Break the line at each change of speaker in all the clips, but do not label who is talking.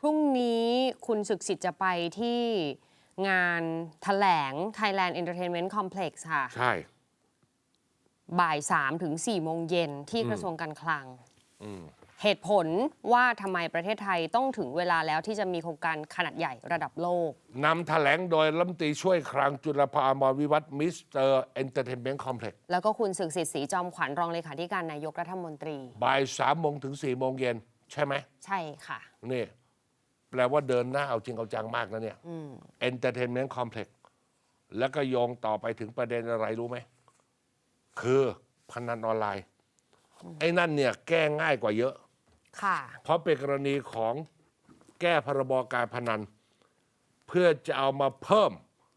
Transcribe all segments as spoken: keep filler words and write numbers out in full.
รุ่งนี้คุณศึกษิตจะไปที่งานแถลง Thailand Entertainment Complex ค่ะ
ใช่
บ่ายสามถึงสี่โมงเย็นที่กระทรวงการคลัง เหตุผลว่าทำไมประเทศไทยต้องถึงเวลาแล้วที่จะมีโครงการขนาดใหญ่ระดับโลก
นำแถลงโดยรัฐมนตรีช่วยคลังจุลภา อมรวิวัฒน์มิสเตอร์เอนเตอร์เทนเมนต์คอมเพล็กซ์
แล้วก็คุณศึกษิตศรีจอมขวัญรองเลขาธิการนายกรัฐมนตรี
บ่ายสามโมงถึงสี่โมงเย็นใช่ไหม
ใช่ค่ะ
นี่แปลว่าเดินหน้าเอาจริงเอาจังมากนะเนี่ยเอนเตอร์เทนเมนต์คอมเพล็กซ์แล้วก็โยงต่อไปถึงประเด็นอะไรรู้ไหมคือพนันออนไลน์ไอ้นั่นเนี่ยแก้ง่ายกว่าเยอะ
ค่ะ
เพราะเป็นกรณีของแก้พรบการพนันเพื่อจะเอามาเพิ่ม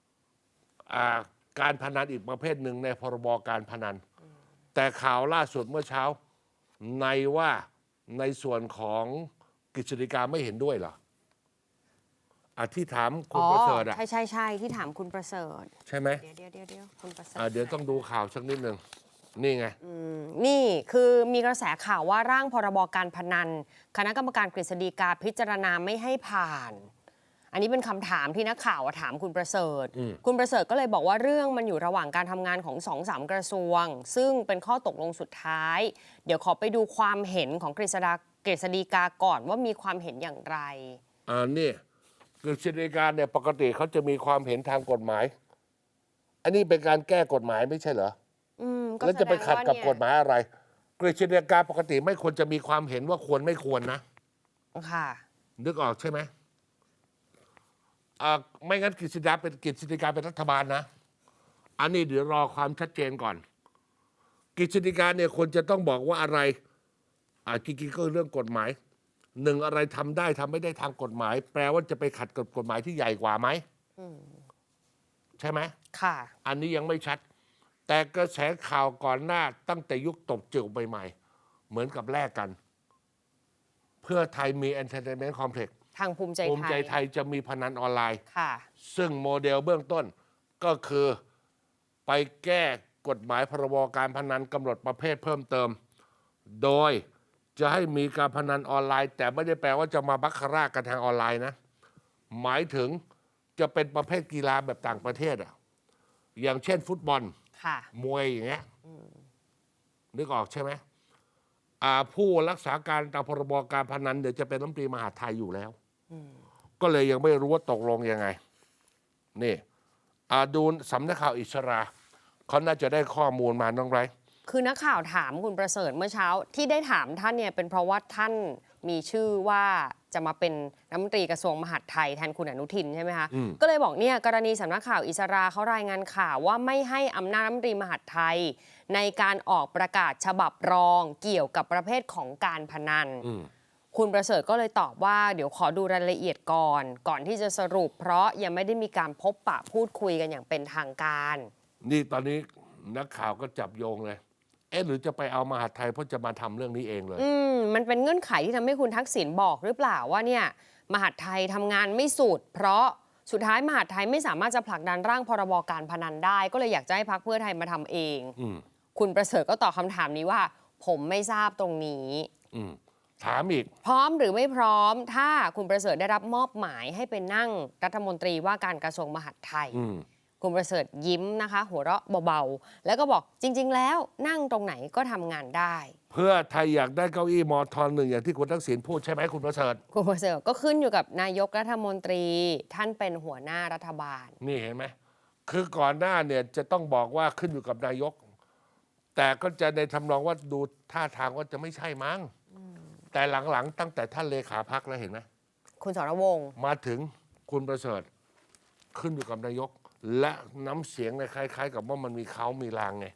การพนันอีกประเภทหนึ่งในพรบการพนันแต่ข่าวล่าสุดเมื่อเช้าในว่าในส่วนของกฤษฎีกาไม่เห็นด้วยเหรออ่ะที่ถามคุณประเสริฐอ่ะ
ใช่ใช่ใช่ที่ถามคุณประเสริฐ
ใช่ไหม
เดี๋ยวเดี๋ยวเดี๋ยวเดี๋ยวคุณประเสริฐ
เดี๋ยวต้องดูข่าวสักนิดหนึ่งนี่ไง
นี่คือมีกระแสข่าวว่าร่างพรบการพนันคณะกรรมการกฤษฎีกาพิจารณาไม่ให้ผ่านอันนี้เป็นคำถามที่นักข่าวถามคุณประเสริฐคุณประเสริฐก็เลยบอกว่าเรื่องมันอยู่ระหว่างการทำงานของสองสามกระทรวงซึ่งเป็นข้อตกลงสุดท้ายเดี๋ยวขอไปดูความเห็นของกฤษฎากฤษฎีกาก่อนว่ามีความเห็นอย่างไร
อ่านี่กฤษฎีกาเนี่ยปกติเขาจะมีความเห็นทางกฎหมายอันนี้เป็นการแก้กฎหมายไม่ใช่เหรอแล้วจะไปขัดกับกฎหมายอะไรกฤษฎีกาปกติไม่ควรจะมีความเห็นว่าควรไม่ควรนะ
ค่ะ
นึกออกใช่ไหมอ่าไม่งั้นกฤษฎีกาเป็นกฤษฎีกาเป็นรัฐบาลนะอันนี้เดี๋ยวรอความชัดเจนก่อนกฤษฎีกาเนี่ยควรจะต้องบอกว่าอะไรอ่าจริงๆก็เรื่องกฎหมายหนึ่งอะไรทำได้ทำไม่ได้ทางกฎหมายแปลว่าจะไปขัดกับกฎหมายที่ใหญ่กว่าไหมใช่ไหม
ค่ะ
อันนี้ยังไม่ชัดแต่กระแสข่าวก่อนหน้าตั้งแต่ยุคตบจิ๋วใหม่ๆเหมือนกับแลกกันเพื่อไทยมี Entertainment Complex
ทางภูมิใจไทย
ภูมิใจไทยจะมีพนันออนไลน์
ค่ะ
ซึ่งโมเดลเบื้องต้นก็คือไปแก้กฎหมายพรบการพนันกำหนดประเภทเพิ่มเติมโดยจะให้มีการพนันออนไลน์แต่ไม่ได้แปลว่าจะมาบัคคาร่ากันทางออนไลน์นะหมายถึงจะเป็นประเภทกีฬาแบบต่างประเทศอ่ะอย่างเช่นฟุตบอลมวยอย่างเงี้ยนึกออกใช่ไหมผู้รักษาการตามพรบการพนันเดี๋ยวจะเป็นรัฐมนตรีมหาดไทยอยู่แล้วก็เลยยังไม่รู้ว่าตกลงยังไงนี่ดูสำนักข่าวอิสราเขาน่าจะได้ข้อมูลมาน้องไร
คือนักข่าวถามคุณประเสริฐเมื่อเช้าที่ได้ถามท่านเนี่ยเป็นเพราะว่าท่านมีชื่อว่าจะมาเป็นรัฐมนตรีกระทรวงมหาดไทยแทนคุณอนุทินใช่ไหมคะก็เลยบอกเนี่ยกรณีสำนักข่าวอิสราเขารายงานข่าวว่าไม่ให้อำนาจรัฐมนตรีมหาดไทยในการออกประกาศฉบับรองเกี่ยวกับประเภทของการพนันคุณประเสริฐก็เลยตอบว่าเดี๋ยวขอดูรายละเอียดก่อนก่อนที่จะสรุปเพราะยังไม่ได้มีการพบปะพูดคุยกันอย่างเป็นทางการ
นี่ตอนนี้นักข่าวก็จับโยงเลยเอ๊ะหรือจะไปเอามหาดไทยเพราะจะมาทำเรื่องนี้เองเลย
อืมมันเป็นเงื่อนไขที่ทำให้คุณทักษิณบอกหรือเปล่าว่าเนี่ยมหาดไทยทำงานไม่สุดเพราะสุดท้ายมหาดไทยไม่สามารถจะผลักดันร่างพรบการพนันได้ก็เลยอยากจะให้พรรคเพื่อไทยมาทำเองคุณประเสริฐก็ตอบคำถามนี้ว่าผมไม่ทราบตรงนี้
ถามอีก
พร้อมหรือไม่พร้อมถ้าคุณประเสริฐได้รับมอบหมายให้เป็นนั่งรัฐมนตรีว่าการกระทรวงมหาดไทยคุณประเสริฐยิ้มนะคะหัวเราะเบาๆแล้วก็บอกจริงๆแล้วนั่งตรงไหนก็ทำงานได้
เพื่อไทยอยากได้เก้าอี้มอทอนหนึ่งอย่างที่คุณทักษิณพูดใช่ไหมคุณประเสริฐ
คุณประเสริฐก็ขึ้นอยู่กับนายกรัฐมนตรีท่านเป็นหัวหน้ารัฐบาล
นี่เห็นไหมคือก่อนหน้าเนี่ยจะต้องบอกว่าขึ้นอยู่กับนายกแต่ก็จะในทำนองว่าดูท่าทางว่าจะไม่ใช่มั้งแต่หลังๆตั้งแต่ท่านเลขาพรรคแล้วเห็นไหม
คุณสรวงศ์
มาถึงคุณประเสริฐขึ้นอยู่กับนายกและน้ำเสียงเนี่ยคล้ายๆกับว่ามันมีเขามีลางไง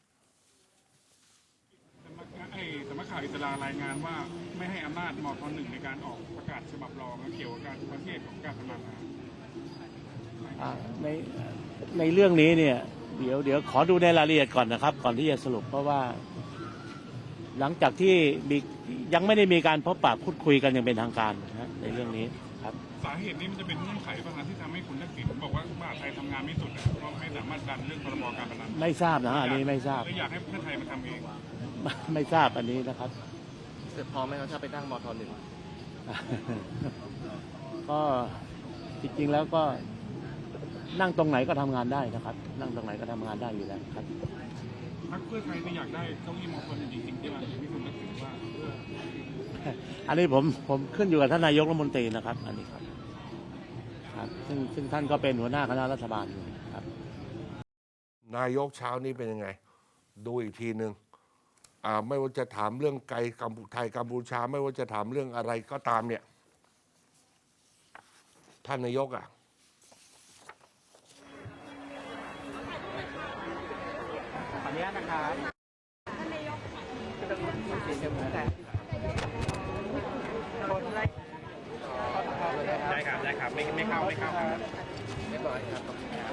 สำนักข่าวอิสรารายงานว่าไม่ให้อำนาจมทหนึ่งในการออกประกาศฉบับรองเกี่ยวกับการประเภทของการพนัน
ในในเรื่องนี้เนี่ยเดี๋ยวเดี๋ยวขอดูในรายละเอียดก่อนนะครับก่อนที่จะสรุปเพราะว่าหลังจากที่มียังไม่ได้มีการพบปะพูดคุยกันอย่างเป็นทางการนะในเรื่องนี้ครับ
สาเหตุนี้มันจะเป็นเงื่อนไขปัญหาที่ทำให้คุณทักษิณบอกว่ามหาไทยทำงานไม่สุดเพราะไม่สามารถดันเรื่องพรบการพนัน
ไม่ทราบนะอันนี้ไม่ทราบ
อยากให้เพื่อไทยมาทำเอง
ไม่ทราบอันนี้นะครับ
เสร็จพอไหมครับถ้าไปนั่งมทหนึ่ง
ก็จริงๆแล้วก็นั่งตรงไหนก็ทำงานได้นะครับ นั่งตรงไหนก็ทำงานได้อยู่แล้วครับ
พรรคเพื่อไทยไม่อยากได้เก้าอี้มอคนหนึ่งจริงๆใช่ไหมพี่คุณทักษิณว่า
อันนี้ผมผมขึ้นอยู่กับท่านนายกรัฐมนตรีนะครับ อันนี้ครับครับซึ่งซึ่งท่านก็เป็นหัวหน้าคณะรัฐบาลอยู่ครับ
นายกเช้านี้เป็นยังไง ดูอีกทีหนึ่งอ่าไม่ว่าจะถามเรื่องไกลกัมพูไทยกัมพูชา ไม่ว่าจะถามเรื่องอะไรก็ตามเนี่ย ท่านนายกอ่ะ
ขออนุญาตนะครับได้ครับ ได้ครับ ไม่ไม่เข้า ไม่เข้าครับเรียบร้อยครับ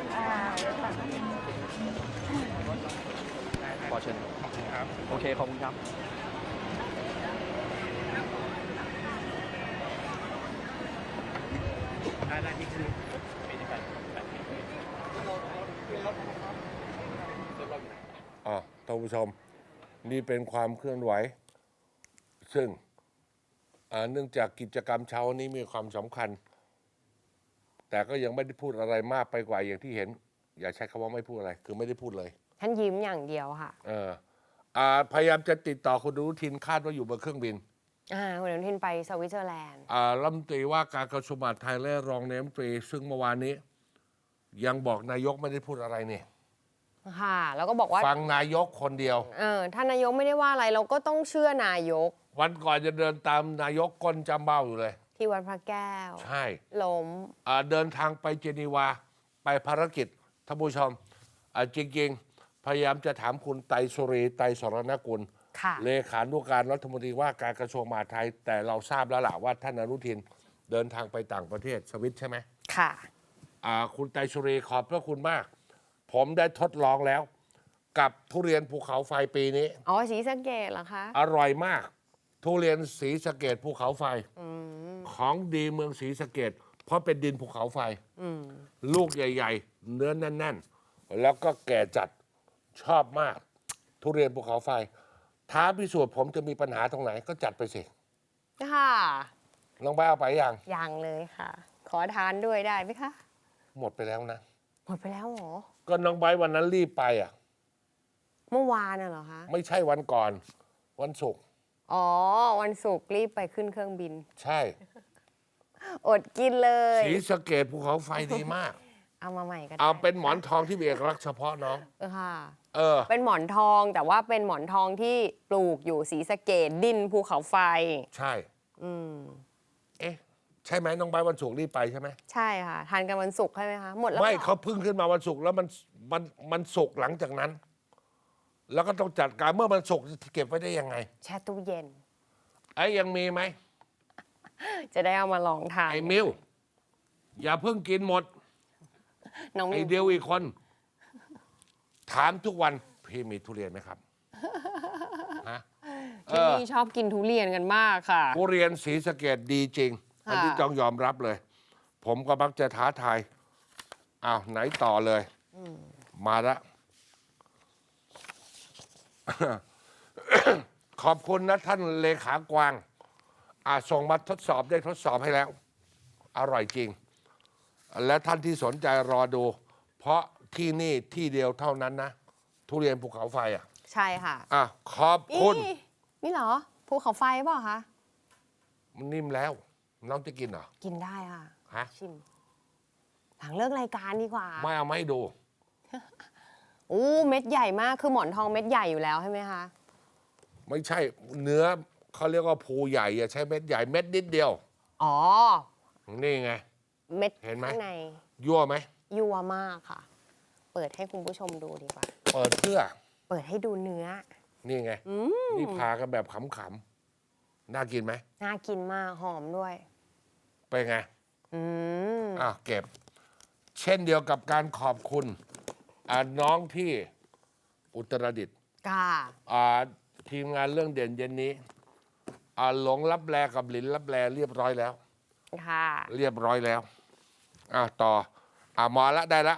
ขอเชิญครับ โอเค ขอบคุณครับ ได้ได้ที่คือไม่ได้ไป
อ่าท่านผู้ชม นี่เป็นความเคลื่อนไหว ซึ่งอ่าเนื่องจากกิจกรรมเช้านี้มีความสำคัญ แต่ก็ยังไม่ได้พูดอะไรมากไปกว่าอย่างที่เห็น อย่าใช้คำว่าไม่พูดอะไร คือไม่ได้พูดเลย
ท่านยิ้มอย่างเดียวค่ะ
เอออ่าพยายามจะติดต่อคุณอนุทินคาดว่าอยู่บนเครื่องบิน
อ่าคุณอนุทินไปสวิตเซอร์แลนด์
อ่ารัฐมนตรีว่าการกระทรวงมหาดไทยและรองนายกรัฐมนตรี ซึ่งเมื่อวานนี้ ยังบอกนายกไม่ได้พูดอะไรเนี่ย
ค่ะ แล้วก็บอกว่า
ฟังนายกคนเดียว
เออท่านนายกไม่ได้ว่าอะไร เราก็ต้องเชื่อนายก
วันก่อนจะเดินตามนายกก้นจำเบ้าอยู่เลย
ที่วัดพระแก้ว
ใช่
ล้ม
อ่าเดินทางไปเจนีวาไปภารกิจท่านผู้ชมอ่าจริงๆ พยายามจะถามคุณไตรสุรีไตรสรณกุล
ค่ะ
เลขานุการรัฐมนตรีว่าการกระทรวงมหาดไทย แต่เราทราบแล้วล่ะว่าท่านอนุทินเดินทางไปต่างประเทศสวิตใช่ไหม
ค่ะ
อ่าคุณไตรสุรีขอบพระคุณมาก ผมได้ทดลองแล้ว กับทุเรียนภูเขาไฟปีนี้
อ๋อศรีสะเกษเหรอคะ
อร่อยมาก ทุเรียนศรีสะเกษภูเขาไฟ
อืม
ของดีเมืองศรีสะเกษเพราะเป็นดินภูเขาไฟ
อืม
ลูกใหญ่ ๆ เนื้อแน่น ๆ แล้วก็แก่จัดชอบมาก ทุเรียนภูเขาไฟ ท้าพิสูจน์ผมจะมีปัญหาตรงไหนก็จัดไปสิ
ค่ะ
ลองไปเอาไปยัง
ยังเลยค่ะ ขอทานด้วยได้ไหมคะ
หมดไปแล้วนะ
หมดไปแล้วเหรอ
ก็น้องไบร์ทวันนั้นรีบไปอ่ะ
เมื่อวานน่ะเหรอคะ
ไม่ใช่วันก่อน วันศุกร์
อ๋อ วันศุกร์รีบไปขึ้นเครื่องบิน
ใช่
อดกินเลย
ศรีสะเกษภูเขาไฟดีมาก
เอามาใหม่ก็ได้
เอาเป็นหมอนทองที่มีเอกลักษณ์เฉพาะน้อง
เออค่ะ
เออ
เป็นหมอนทองแต่ว่าเป็นหมอนทองที่ปลูกอยู่ศรีสะเกษดินภูเขาไฟ
ใช่
อืม
เอ๊ะ ใช่ไหมน้องไบร์ทวันศุกร์รีบไปใช่ไหม
ใช่ค่ะ ทานกันวันศุกร์ใช่ไหมคะ หมดแล้ว
ไม่
หรอ
เขาเพึ่งขึ้นมาวันศุกร์แล้วมันมันมันศุกร์หลังจากนั้น แล้วก็ต้องจัดการเมื่อมันศุกร์จะเก็บไว้ได้ยังไง
แช่ตู้เย็น
ไอ้ยังมีไหม
จะได้เอามาลองทาน
ไอ้มิวอย่าเพิ่งกินหมด
น้องมิ
ไอ้
ว
เดียวอีกคน ถามทุกวัน พี่มีทุเรียนไหมครับฮะเอ
ที่
อ
นี่ชอบกินทุเรียนกันมากค่ะ
ทุเรียนศรีสะเกษดีจริง
ค่ะ
อันนี้ต้องยอมรับเลย ผมก็มักจะท้าทายอ้าวไหนต่อเลย มาละ ขอบคุณนะท่านเลขากวางอาส่งมาทดสอบได้ทดสอบให้แล้ว อร่อยจริง และท่านที่สนใจรอดู เพราะที่นี่ที่เดียวเท่านั้นนะ ทุเรียนภูเขาไฟอ่ะ
ใช่ค่ะ
อ่ะขอบคุณ
นี่นี่เหรอ ภูเขาไฟเปล่าคะ
มันนิ่มแล้ว น้องจะกินเหรอ
กินได้ค่ะ
ฮะ
ชิม หลังเลิกรายการดีกว่า
ไม่เอาไม่ดู
อู้เม็ดใหญ่มาก คือหมอนทองเม็ดใหญ่อยู่แล้วใช่ไหมคะ
ไม่ใช่เนื้อเขาเรียกว่าภูใหญ่อย่าใช้เม็ดใหญ่เม็ดนิดเดียว
อ๋อ
นี่ไง
เม็ด
เห็นไหม
ข้างใน
ยั่วไหม
ยัวมากค่ะ เปิดให้คุณผู้ชมดูดีกว่า
เปิดเพื่อ
เปิดให้ดูเนื้อ
นี่ไง
อืม
นี่พากันแบบขำๆน่ากินไหม
น่ากินมาก หอมด้วย
เป็นไง
อืม
อ่ะเก็บ เช่นเดียวกับการขอบคุณอ่ะน้องที่อุตรดิตถ์
ค่ะ
อ่ะทีมงานเรื่องเด่นเย็นนี้อ่ะหลงรับแลกับหลินรับแลเรียบร้อยแล้ว
ค่ะ
เรียบร้อยแล้ว อ่ะต่อ อ่ะมาละได้ละ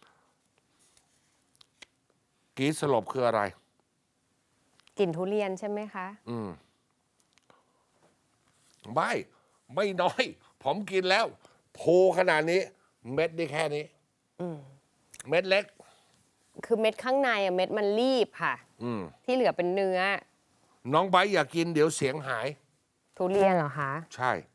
กรีดสลบคืออะไร
กลิ่นทุเรียนใช่ไหมคะ
อืม ไม่ ไม่น้อย ผมกินแล้วภูขนาดนี้เม็ดนี่แค่นี้
อืม
เม็ดเล็ก
คือเม็ดข้างในอะเม็ดมันรีบค่ะ
อืม
ที่เหลือเป็นเนื้อ
น้องไบร์ทอยากกินเดี๋ยวเสียงหาย
ทุเรียนเหรอคะ
ใช่